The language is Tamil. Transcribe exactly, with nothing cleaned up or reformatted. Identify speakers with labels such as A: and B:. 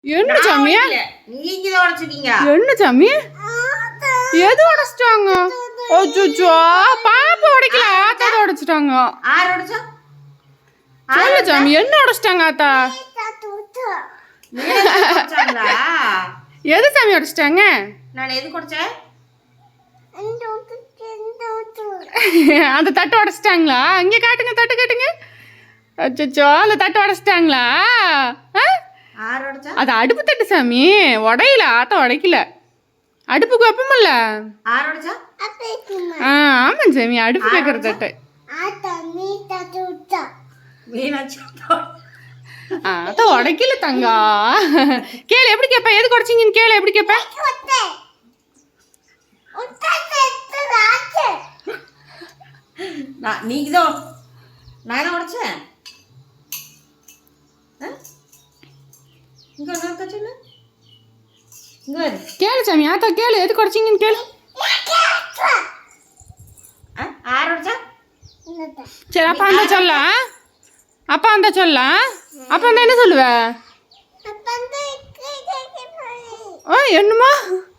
A: என்ன சாமி
B: நீங்க தான் உடைச்சிட்டீங்க.
A: என்ன சாமி எது உடைச்சிட்டாங்க? அச்சச்சோ பாப்பா உடைக்கல, ஆத்தா தான் உடைச்சிட்டாங்க.
B: ஆறு உடைச்சா?
A: சொல்லு சாமி என்ன உடைச்சிட்டாங்க ஆத்தா?
B: உடைச்சாங்களா?
A: எது சாமி உடைச்சிட்டாங்க?
B: நான் எது குடிச்சேன்?
A: அந்த தட்டு உடைச்சிட்டாங்களா? இங்க காட்டுங்க, தட்டு காட்டுங்க. அச்சச்சோ அந்த தட்டு உடைச்சிட்டாங்களா?
B: ஆறு உடைச்சா?
A: அது அடுப்பு தட்டு சாமி, உடையில, ஆத்தா உடைக்கல. அடுப்புக்கு வைப்போம்ல.
B: ஆறு உடைச்சா?
A: ஆ ஆமா சாமி, அடுப்பு வைக்கிற தட்டு. ஆத்தா உடைக்கல தங்கா. கேளு எப்படி கேப்ப, எது குறைச்சிங்கன்னு கேளு எப்படி கேப்ப.
B: நீங்க தான் நான் உடைச்சேன். இங்க ஒன்று சொல்லு. இங்க
A: கேளு சாமி, ஆத்தா கேளு எது குறைச்சிங்கன்னு கேளு.
B: ஆறு உடைச்சா?
A: சரி அப்பா அந்த சொல்ல, அப்பா அந்த சொல்ல, அப்பா அந்த என்ன சொல்லுவ? ஆ என்னமா?